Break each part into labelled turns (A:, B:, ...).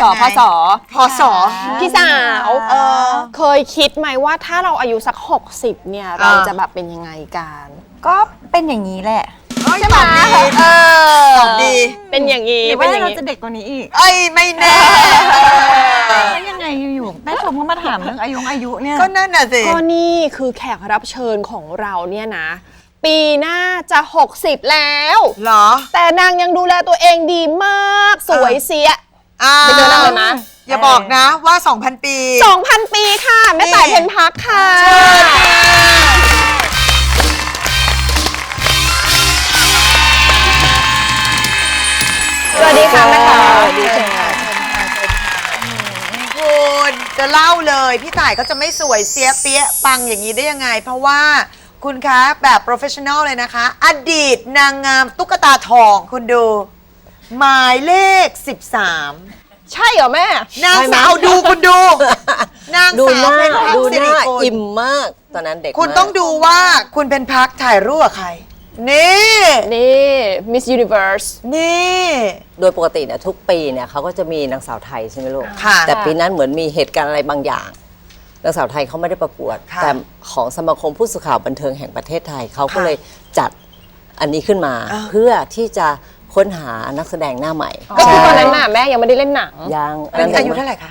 A: พศ
B: พี่สาว เคยคิดไหมว่าถ้าเราอายุสัก60เนี่ยเราจะแบบเป็นยังไงกัน
C: ก็เป็นอย่างนี้แหละ
A: ใช่ไหมตอบดี
B: เป็นอย่างนี้
C: หรือว่าเราจะเด็กกว่านี้อีก
A: ไม่แน่
C: แล้วยังไงอยู่แม่ชมก็มาถามเรื่องอายุเนี่ย
A: ก็นั่นน่ะสิ
B: ก็นี่คือแขกรับเชิญของเราเนี่ยนะปีหน้าจะ60แล้ว
A: เหรอ
B: แต่นางยังดูแลตัวเองดีมากสวยเสียไปเจอนางเลยมะ
A: อย่าบอกนะว่า 2,000 ปี
B: 2,000 ปีค่ะแม่ต่ายเพ็ญพักค่ะสวัสดีค่ะแม่ต่ายสวัสดีค่ะ
A: คุณจะเล่าเลยพี่ต่ายก็จะไม่สวยเสียเปี้ยปังอย่างนี้ได้ยังไงเพราะว่าคุณคะแบบโปรเฟชชั่นอลเลยนะคะอดีตนางงามตุ๊กตาทองคุณดูหมายเลข13
B: ใช่เหรอแม่
A: นางสาวดูคุณดูนางสาวเป็นพักสิริกุล
D: อิ่มมากตอนนั้นเด็ก
A: คุณต้องดูว่าคุณเป็นพักถ่ายรูปกับใครนี่
B: Miss Universe
A: นี่
D: โดยปกติเนี่ยทุกปีเนี่ยเขาก็จะมีนางสาวไทยใช่ไหมลูก
A: ค่ะ
D: แต่ปีนั้นเหมือนมีเหตุการณ์อะไรบางอย่างนางสาวไทยเขาไม่ได้ประกวดแต่ของสมาคมผู้สื่อข่าวบันเทิงแห่งประเทศไทยเขาก็เลยจัดอันนี้ขึ้นมาเพื่อที่จะค้นหานักแสดงหน้าใหม่
B: ก็คือตอนนั้นน่ะแม่ยังไม่ได้เล่นหนัง
D: ยัง
A: อายุเท่าไหร่คะ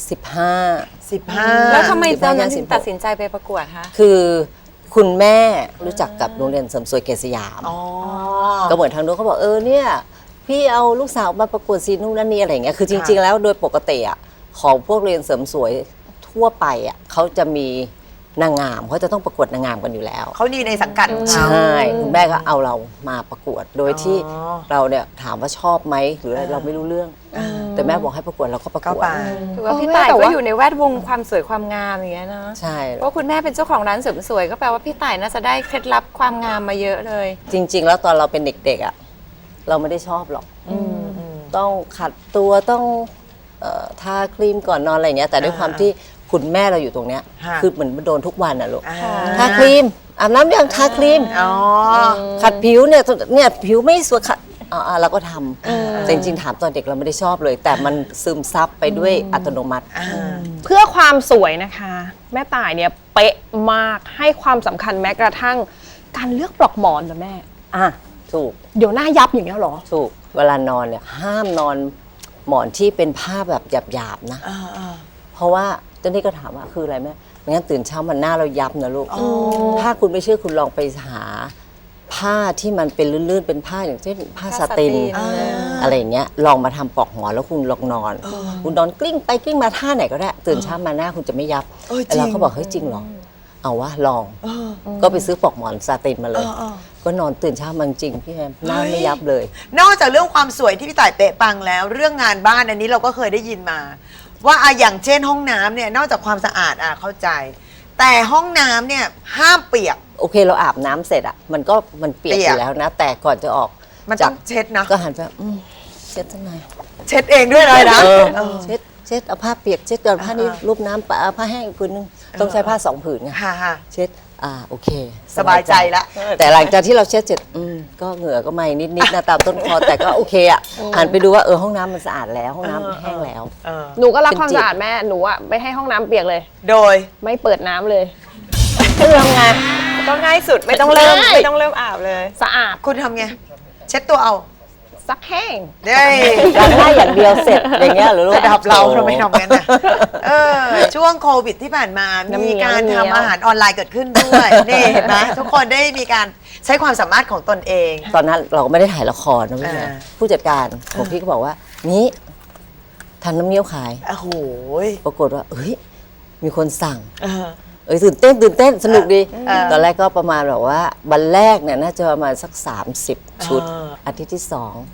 D: 15
C: แล้วทำไมตอนนั้นถึงตัดสินใจไปประกวดคะ
D: คือคุณแม่รู้จักกับโรงเรียนเสริมสวยเกษสยามก็เหมือนทางโน้นเขาบอกเนี่ยพี่เอาลูกสาวมาประกวดซีนู่นนั่นนี่อะไรอย่างเงี้ยคือจริงๆแล้วโดยปกติอ่ะของพวกเรียนเสริมสวยทั่วไปอ่ะเขาจะมีนางงามเขาจะต้องประกวดนางงามกันอยู่แล้ว
A: เขาดีในสังกัดของเขา
D: ใช่คุณแม่ก็เอาเรามาประกวดโดยที่เราเนี่ยถามว่าชอบไหมหรือเราไม่รู้เรื่องแต่แม่บอกให้ประกวดเราก็ประกวด
C: ถือว่าพี่ต่ายก็อยู่ในแวดวงความสวยความงามอย่างเงี้ยนะ
D: ใช่
C: เพราะคุณแม่เป็นเจ้าของร้านเสริมสวยก็แปลว่าพี่ต่ายน่าจะได้เคล็ดลับความงามมาเยอะเลย
D: จริงๆแล้วตอนเราเป็นเด็กๆอ่ะเราไม่ได้ชอบหรอกต้องขัดตัวต้องทาครีมก่อนนอนอะไรเงี้ยแต่ด้วยความที่คุณแม่เราอยู่ตรงเนี้ยคือเหมือนโดนทุกวันน่ะลูกทาครีมอาบน้ำยังทาครีมขัดผิวเนี่ยผิวไม่สวยขัดเราก็ทำแต่จริงๆถามตอนเด็กเราไม่ได้ชอบเลยแต่มันซึมซับไปด้วยอัตโนมัติ
B: เพื่อความสวยนะคะแม่ต่ายเนี่ยเป๊ะมากให้ความสำคัญแม้กระทั่งการเลือกปลอกหมอนนะแม่
D: ถูก
B: เดี๋ยวหน้ายับอย่างเงี้ยหรอ
D: ถูกเวลานอนเนี่ยห้ามนอนหมอนที่เป็นผ้าแบบหยาบๆนะเพราะว่าเจ้านี่ก็ถามว่าคืออะไรแม่ไม่งั้นตื่นเช้ามันหน้าเรายับนะลูกถ้าคุณไม่เชื่อคุณลองไปหาผ้าที่มันเป็นลื่นๆเป็นผ้าอย่างเช่นผ้าสตินอะไรอย่างเงี้ยลองมาทำปลอกหมอนแล้วคุณลองนอนคุณนอนกลิ้งไปกลิ้งมาท่าไหนก็ได้ตื่นเช้ามาหน้าคุณจะไม่ยับแล้วเขาบอกเฮ้ยจริงเหรอเอาวะลองก็ไปซื้อปลอกหมอนซาตินมาเลยก็นอนตื่นเช้ามาจริงพี่แฮมหน้าไม่ยับเลย
A: นอกจากเรื่องความสวยที่พี่ต่ายเป๊ะปังแล้วเรื่องงานบ้านอันนี้เราก็เคยได้ยินมาว่าอย่างเช่นห้องน้ำเนี่ยนอกจากความสะอาดเข้าใจแต่ห้องน้ำเนี่ยห้ามเปียก
D: โอเคเราอาบน้ำเสร็จมันเปียกอยู่แล้วนะแต่ก่อนจะออก
A: มันต้องเช็ดนะ
D: ก็หันไปเช็ดทำไม
A: เช็ดเองด้วยเลยนะ
D: เช็ดเอาผ้าเปียกเช็ดก่อนผ้านี้รูปน้ำผ้าแห้งผืนนึงต้องใช้ผ้า2 ผืนไงเช็ดโอเค
A: สบายใจละ
D: แต่หลังจากที่เราเช็ดเสร็จก็เหงื่อก็ไม่นิดๆนะตามต้นคอแต่ก็โอเคหันไปดูว่าห้องน้ำมันสะอาดแล้วห้องน้ำแห้งแล้ว
B: หนูก็รักความสะอาดแม่หนูไม่ให้ห้องน้ำเปียกเลย
A: โดย
B: ไม่เปิดน้ำเลยเพื่อไง
C: ก็ง่ายสุดไม่ต้องเริ่มอาบเลย
B: สะอาด
A: คุณทำไงเช็ดตัวเอา
B: ซักแห้ง
A: ได้
D: ล้างหน้าอย่างเเดียวเสร็จอย่างเงี้ยหรือ
A: ระดับเราทำไมทำงั้นนะช่วงโควิดที่ผ่านมามีการทำอาหารออนไลน์เกิดขึ้นด้วยนี่เห็นไหมทุกคนได้มีการใช้ความสามารถของตนเอง
D: ตอนนั้นเราก็ไม่ได้ถ่ายละครนะพี่ผู้จัดการของพี่ก็บอกว่านี้ทำน้ำเงี้ยวขาย
A: โอ้โห
D: ปรากฏว่ามีคนสั่งตื่นเต้นสนุกดีตอนแรกก็ประมาณแบบว่าวันแรกเนี่ยน่าจะประมาณสัก30 ชุดอาทิตย์ที่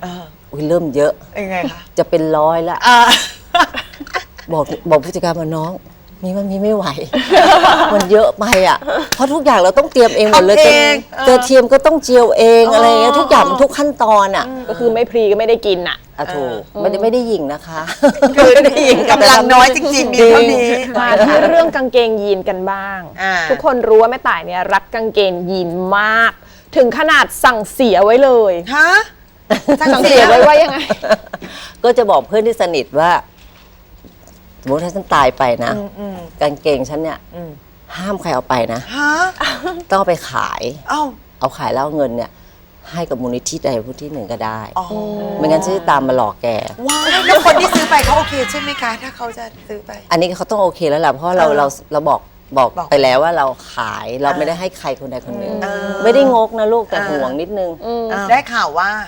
D: 2เริ่มเยอะ
A: ยังไงคะ
D: จะเป็น100ละบอกผู้จัดการมาน้องมันมีไม่ไหวมันเยอะไปเพราะทุกอย่างเราต้องเตรียมเองหมดเลยเทียมก็ต้องเจียวเองอะไรเงี้ยทุกอย่างทุกขั้นตอน
B: ก็คือไม่พรีก็ไม่ได้กิน
D: ถูกไม่ได้หยิ่งนะคะ
A: คือได้หยิ่งกำลังน้อยจริงๆมีเท่านี้
B: มาที่เรื่องกางเกงยีนกันบ้างทุกคนรู้ว่าแม่ต่ายเนี่ยรักกางเกงยีนมากถึงขนาดสั่งเสียไว้เลย
A: ฮะ
B: สั่งเสียไว้ว่ายังไง
D: ก็จะบอกเพื่อนที่สนิทว่ามมติถ้าฉันตายไปนะกางเกงฉันเนี่ยห้ามใครเอาไปนะ
A: ฮะ
D: ต้องเอาไปขาย
A: เอ้า
D: เอาขายแล้วเอาเงินเนี่ยให้กับมูลนิธิใดผู้ที่หนึ่งก็ได้
A: อ๋อ
D: ไม่งั้นฉันจะตามมาหลอกแก
A: ว้ายแล้วคนที่ซื้อไปเขาโอเคใช่ไหมคะ ถ้าเขาจะซื้อไป
D: อันนี้เขาต้องโอเคแล้วแหละเพราะเราบอกไปแล้วว่าเราขายเราไม่ได้ให้ใครคนใดคนหนึ่งไม่ได้งกนะลูกแต่ห่วงนิดนึง
A: ได้ข่าวว่า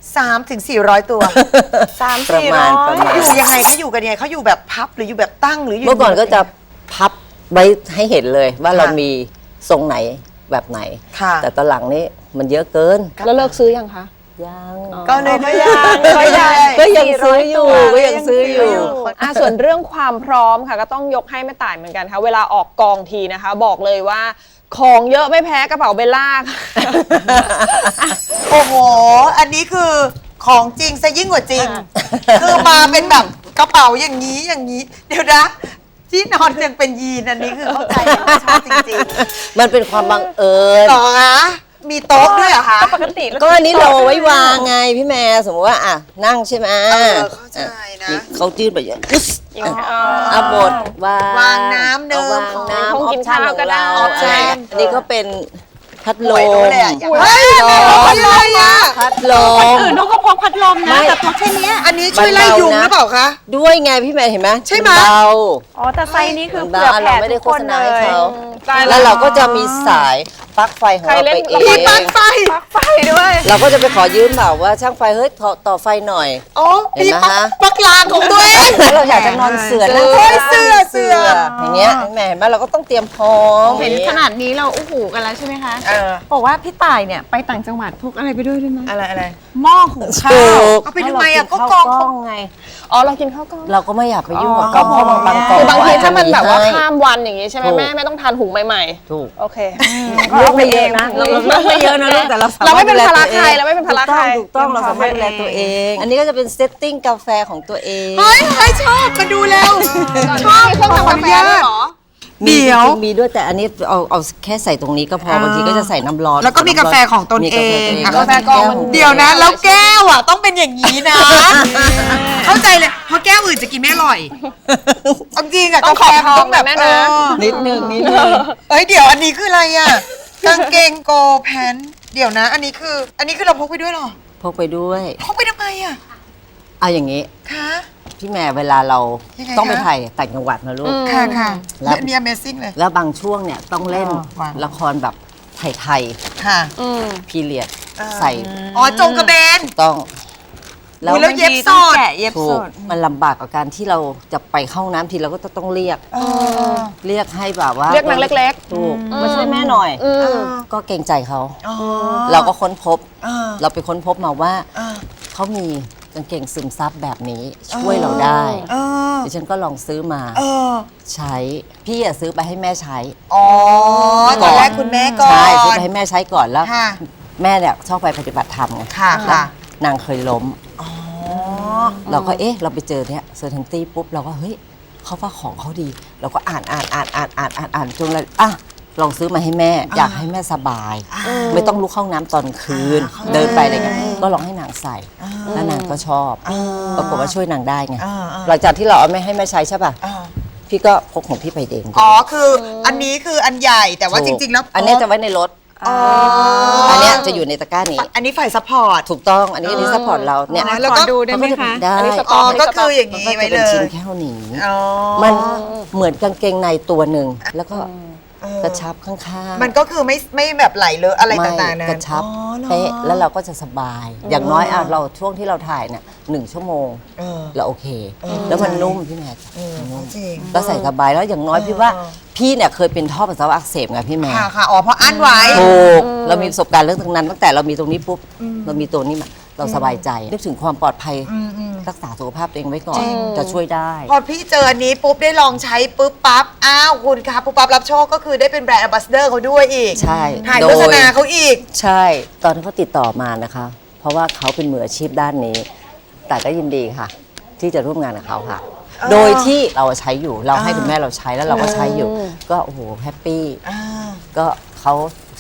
A: 3 ถึง 400 ตัว
D: ประมาณ
A: อยู่ยังไงคะอยู่กันยังไงเขาอยู่แบบพับหรืออยู่แบบตั้งหรืออยู่
D: เมื่อก่อนก็จะพับไว้ให้เห็นเลยว่าเรามีทรงไหนแบบไหน
A: ค่ะ
D: แต่ตอนหลังนี้มันเยอะเกิน
B: แล้วเลิกซื้อยังคะ
D: ยัง
A: ก็เลย
B: ก็ยังซื้ออยู่
D: ก็ยังซื้ออยู่
B: ส่วนเรื่องความพร้อมค่ะก็ต้องยกให้แม่ต่ายเหมือนกันค่ะเวลาออกกองทีนะคะ บอกเลยว่าของเยอะไม่แพ้กระเป๋าเบลล่าค่ะ
A: โอ้โห อันนี้คือของจริงซะยิ่งกว่าจริง คือมาเป็นแบบกระเป๋าอย่างนี้อย่างนี้ เดี๋ยวนะ ที่นอนยังเป็นยีนอันนี้คือเข้าใจว่าชอบจริง
D: มันเป็นความบังเอิญ
A: ๆต่อคะมีโต๊ะด้วยเหรอคะ
B: ปกติ
D: ก็อันนี้เราไว้วางไงพี่แม่สมมติว่าอ่ะนั่งใช่ไหม
A: เข้าใจนะ
D: เขายื่นไปอย่างอึ๊สอ่ะบดวาง
A: น้ำหนึ่ง
D: เอาวางน้ำ
B: คงกินข้าวก็ได้
D: ออปชั่นของเราอันนี้ก็เป็นพัดล
A: โอ้ย
D: ม
A: รู้เลยอ่ะอยากเฮ้ยอะไรอ่ะ
D: พัดลม
C: อื่นเขาก็พกพัดลมนะ
D: ไม่
C: แต่พกแค่เนี้ย
A: อันนี้ช่วยไล่ยุงหรือเปล่าคะ
D: ด้วยไงพี่แม่เห็นไหม
A: ใช่ไหม
D: นเบา
C: อ๋อแต่ไซส์นี้คือ
D: มัน
C: เผื่
D: เบา
C: อแผ่
D: เราไม่ได้
C: ทุก
D: โฆ
C: คน
D: ษ
C: เล
D: ณาให้
C: ย
D: เขา
B: ตาย
D: แล้วเราก็จะมีสายปลั๊กไฟของเราไปเอง
A: มีปลั๊กไฟ
C: ปลั๊กไฟด้วย
D: เราก็จะไปขอยืมแบบว่าช่างไฟเฮ้ยต่อไฟหน่อย
A: อ๋อ
D: เห็น
A: มี
D: ไหม
A: ปลั๊กลางของตัวเอง
D: แล้วเราอยากจะนอนเสือนั่ง
A: โอ้ยเสือ
D: อย่างเงี้ยแม่เห็นไหมเราก็ต้องเตรียมพร้อม
C: เห็นขนาดนี้เราอู้หูกันแล้วใช่ไหมคะ บอกว่าพี่ต่ายเนี่ยไปต่างจังหวัดพกอะไรไปด้วยไหม
A: อะไร
C: หม้อหุงข้า
D: ถู
C: ว
D: ก
A: เอาไปทำไมอ่ะก็
D: ข้าว
A: กอง
D: ไง
B: อ๋อเรากินข้าวกล้อง
D: เราก็ไม่อยากไปยุ่งกับกองเพราะบางกอง
B: คือบางทีถ้ามันแบบว่า
D: ให้
B: ข้ามวันอย่างงี้ใช่ไหม
D: ถูก
B: แม่ต้องทานหุงใหม่
D: ถูก
B: ๆโอเค
D: ลูกไม่เยอะนะเราลูกไม่เยอะนะลูกแต่เรา
B: เราไม่เป็นภาระใครเราไม่เป็นภาระใคร
D: ถูกต้องเราสามารถดูแลตัวเอง อันนี้ก็จะเป็นเซตติ้งกาแฟของตัวเอง
A: เฮ้ยชอบมาดูเร็ว
B: ชอบเครื่องทำกาแฟด้วยเหรอ
D: มี
A: เดี๋ยว
D: จริงๆมีด้วยแต่อันนี้เอาแค่ใส่ตรงนี้ก็พอบางทีก็จะใส่น้ำร้อน
A: แล้วก็มีกาแฟของตน
D: มี
A: เอก
D: าแฟตัว
A: ง
B: กาแฟกองมัน
A: เดี๋ยวนะ แล้วแก้วอ่ะต้องเป็นอย่างนี้นะ เข้าใจเลยเพราะแก้วอื่นจะกินไม่อร่อยเอาจริงอะ
B: ต้อง
A: กาแฟ
B: ขอบทอง
A: ต้องแบบ
B: แม่นะ
D: นิดนึง
A: เอ้ยเดี๋ยวอันนี้คืออะไรอ่ะกางเกงโกแพนเดี๋ยวนะ อันนี้คือเราพกไปด้วยเหรอ
D: พกไปด้วย
A: พกไปทำไมอ่ะ
D: เอาอย่างนี้
A: คะ
D: พี่แม่เวลาเราย
A: งไง
D: ต้องไป
A: คะ
D: ถ่ายต่างจังหวัดนะลูก
A: ค่ะค่ะ
D: แล้ว
A: อันนี้ Amazing เลย
D: แล้วบางช่วงเนี่ยต้องเล่น
A: วาง
D: ละครแบบไทย
A: ค่ะ
D: พีเรียดใส่
A: อ๋อจงกระเบน
D: ต้อง
A: อุ๊ยแล้วเย็บสด
C: แกะเย็บ
D: ถู
C: ส
D: ก
C: ด
D: มันลำบากกับการที่เราจะไปเข้าห้องน้ำทีเราก็ต้องเรียกให้แบบว่า
B: เรียกนางเล็ก
D: ถูกมาช่วยแม่หน่อย ก็เกรงใจเขา เราก็ค้นพบ เราไปค้นพบมาว่าเขามีกางเกงซึมซับแบบนี้ช่วยเราได้ดิฉันก็ลองซื้อมาใช้พี่อะซื้อไปให้แม่ใช้
A: อ๋อตอนแรกคุณแม่ก่อน
D: ใช่ซื้อไปให้แม่ใช้ก่อนแล้ว
A: ค่ะ
D: แม่เนี่ยชอบไปปฏิบัติธรรมไง
A: ค่ะ
D: แล้ว
A: ค่ะ
D: นางเคยล้มเราก็เราไปเจอเนี่ยเซอร์เทนตี้ปุ๊บเราก็เฮ้ยเขาว่าของเขาดี เราก็อ่านจนเลยลองซื้อมาให้แม่ อยากให้แม่สบาย ไม่ต้องลุกเข้าน้ำตอนคืน เดินไปอะไรเงี้ยก็ลองให้นางใส่แล้วนางก็ชอบปรากฏว่าช่วยนางได้ไงหลังจากที่เราเอาไม่ให้แม่ใช้ใช่ป่ะพี่ก็พกของพี่ไปเอง
A: อ๋อคืออันนี้คืออันใหญ่แต่ว่าจริง ๆ แล้ว
D: อันเนี้ยจะไว้ในรถ อันเนี้ยจะอยู่ในตะกร้านี้
A: อันนี้ฝ่ายซัพพอร์ต
D: ถูกต้องอันนี้ซัพพอร์ตเราเนี่ย
A: แล้วก็
C: ขอดูได้ไหมคะ
D: ได้
B: อันนี้สต็
A: อ๋
B: อ
A: อก็คืออย่าง
D: มัน
A: นี้
D: ก็
A: ไว้
D: จะ
A: เล
D: เป็นชิ้น
A: ย
D: แค่นี้
A: อ๋อ
D: มันเหมือนกางเกงในตัวหนึ่งแล้วก็กระชับข้างๆ
A: มันก็คือไม่แบบไหลเลอะอะไร
D: ไม่
A: ต่างๆนะ
D: กระชับ
A: อ๋อหรอ
D: เป๊ะแล้วเราก็จะสบาย อย่างน้อยเราช่วงที่เราถ่ายเนี่ย1 ชั่วโมงเราโอเค แล้วมันนุ่มพี่แม่นุ่ม
A: จริง
D: ก็ใส่สบายแล้วอย่างน้อยพี่ว่าพี่เนี่ยเคยเป็นท่อปัสสาวะอักเสบไงพี่แม่
A: ค่ะค่ะอ๋อเพราะอั้นไว้
D: ถูกเรามีประสบการณ์เรื่องตรงนั้นตั้งแต่เรามีตรงนี้ปุ๊บเรามีตัวนี้มาเราสบายใจนึกถึงความปลอดภัยรักษาสุขภาพตัวเองไว้ก่อนจะช่วยได้
A: พอพี่เจออันนี้ปุ๊บได้ลองใช้ปุ๊บปั๊บอ้าวคุณคะปุ๊บปั๊บรับโชคก็คือได้เป็นแบรนด์ a อ b บ s สเดอร์เขาด้วยอีก
D: ใช่
A: ถ่าย
D: โด
A: โฆ
D: ย
A: ษณาเขาอีก
D: ใช่ตอนที่เขาติดต่อมานะคะ เพราะว่าเขาเป็นมืออาชีพด้านนี้ แต่ก็ยินดีค่ะ ที่จะร่วมงานกับเขาค่ะ โดยที่เราใช้อยู่เราให้คุณแม่เราใช้แล้วเราก็ใช้อยู่ ก็โอ้โหแฮปปี้ก็เขา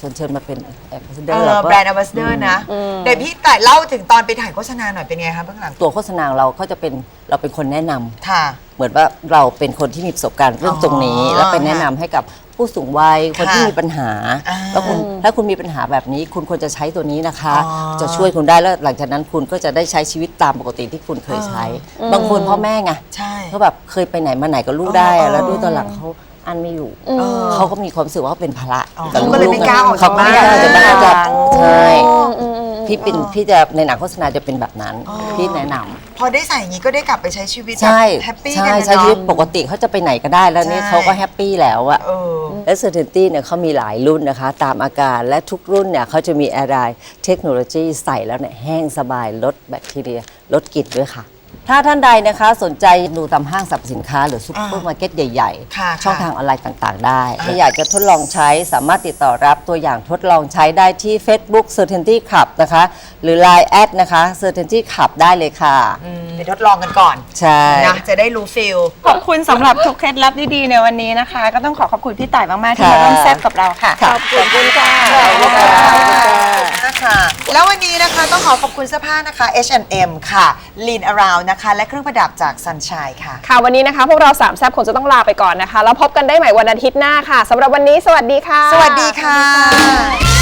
D: เชิญมาเป็นแอมบาสเดอร์เราก็
A: แบรนด์ ambassador นะเดี๋ยวพี่ต่ายเล่าถึงตอนไปถ่ายโฆษณาหน่อยเป็นไงคะเบื้องหลัง
D: ตัวโฆษณาเราก็จะเป็นเราเป็นคนแนะนำ
A: ค่ะ
D: เหมือนว่าเราเป็นคนที่มีประสบการณ์เรื่องตรงนี้ แล้วเป็นแนะนำให้กับผู้สูงวัยคนที่มีปัญหา แล้วคุณถ้าคุณมีปัญหาแบบนี้ คุณควรจะใช้ตัวนี้นะคะ จะช่วยคุณได้แล้วหลังจากนั้นคุณก็จะได้ใช้ชีวิตตามปกติที่คุณเคยใช้ บางคนพ่อแม่ไง
A: ใช่
D: เขาแบบเคยไปไหนมาไหนกับลูกได้อะแล้วด้วยตอนหลังเขาอันไม่อยู่เขาก็มีความรู้สึกว่าเขาเป็นภาระ
A: เขาก็เลยไม่กล้าออก
D: เขาไม่กล้า
A: จาก
D: จะ
A: บ้าน
D: น่าจะใช่พี่จะในหนังโฆษณาจะเป็นแบบนั้นพี่แนะนำ
A: พอได้ใส่อย่างนี้ก็ได้กลับไปใช้ชีวิต
D: ใช่
A: แฮปปี้
D: ใช่
A: กันนะ
D: ใช้ชีวิต
A: เนาะ
D: ปกติเขาจะไปไหนก็ได้แล้วนี่
A: ใช่
D: เขาก็แฮปปี้แล้วอะ
A: เออ
D: และ Certainty เนี่ยเขามีหลายรุ่นนะคะ ตามอาการและทุกรุ่นเนี่ยเขาจะมีอะไรเทคโนโลยีใส่แล้วเนี่ยแห้งสบายลดแบคทีเรียลดกลิ่นด้วยค่ะ ถ้าท่านใดนะคะสนใจดูตามห้างสรรพสินค้าหรือซุปเปอร์มาร์เก็ตใหญ่
A: ค่ะ
D: ๆ ช่องทางออนไลน์ต่างๆ ได้ถ้าอยากจะทดลองใช้สามารถติดต่อรับตัวอย่างทดลองใช้ได้ที่ Facebook Certainty Club นะคะ หรือ Line แอดนะคะ Certainty Club ได้เลยค่ะ
A: ไปทดลองกันก่อน
D: ใช่
A: นะจะได้รู้ฟิล
C: ขอบคุณสำหรับทุกเคล็ดลับดีๆในวันนี้นะคะ ก็ต้องขอบคุณพี่ต่ายมากๆที่มาร่วมแซ่บกับเราค่ะ
D: ขอบคุณค่ะ
A: นะคะแล้ววันนี้นะคะต้องขอขอบคุณเสื้อผ้านะคะ H&M ค่ะ Lean Around นะคะและเครื่องประดับจาก Sunshine ค่ะ
B: ค่ะวันนี้นะคะพวกเราสามแซ่บคงจะต้องลาไปก่อนนะคะแล้วพบกันได้ใหม่วันอาทิตย์หน้าค่ะสำหรับวันนี้สวัสดีค่ะ
A: สวัสดีค่ะ